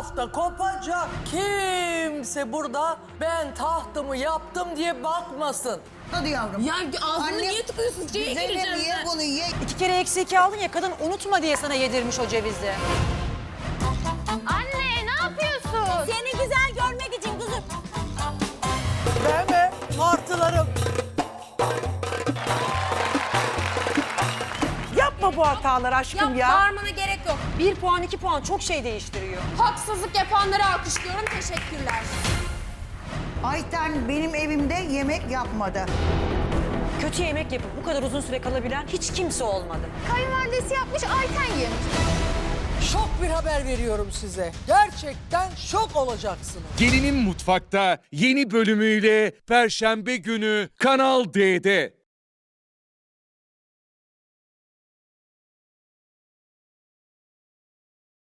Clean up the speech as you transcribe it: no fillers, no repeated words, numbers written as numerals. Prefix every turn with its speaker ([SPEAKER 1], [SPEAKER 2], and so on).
[SPEAKER 1] tahta kopacak. Kimse burada ben tahtımı yaptım diye bakmasın.
[SPEAKER 2] Hadi yavrum.
[SPEAKER 3] Ya ağzını niye tıkıyorsun? C'ye
[SPEAKER 2] Zeynep
[SPEAKER 3] gireceğim
[SPEAKER 2] ye
[SPEAKER 3] ben.
[SPEAKER 2] bunu ye.
[SPEAKER 4] 2 kere eksi 2 aldın ya, kadın unutma diye sana yedirmiş o cevizi.
[SPEAKER 3] Anne ne yapıyorsun?
[SPEAKER 4] Seni güzel görmek için kızım.
[SPEAKER 1] Deme martılarım.
[SPEAKER 5] Yapma bu hataları aşkım ya.
[SPEAKER 3] Bağırmana gerek yok.
[SPEAKER 4] 1 puan 2 puan çok şey değiştiriyor.
[SPEAKER 3] Haksızlık yapanları alkışlıyorum. Teşekkürler.
[SPEAKER 2] Ayten benim evimde yemek yapmadı.
[SPEAKER 4] Kötü yemek yapıp bu kadar uzun süre kalabilen hiç kimse olmadı.
[SPEAKER 3] Kayınvalidesi yapmış, Ayten yemiş.
[SPEAKER 1] Şok bir haber veriyorum size. Gerçekten şok olacaksınız.
[SPEAKER 6] Gelinin Mutfak'ta yeni bölümüyle Perşembe günü Kanal D'de.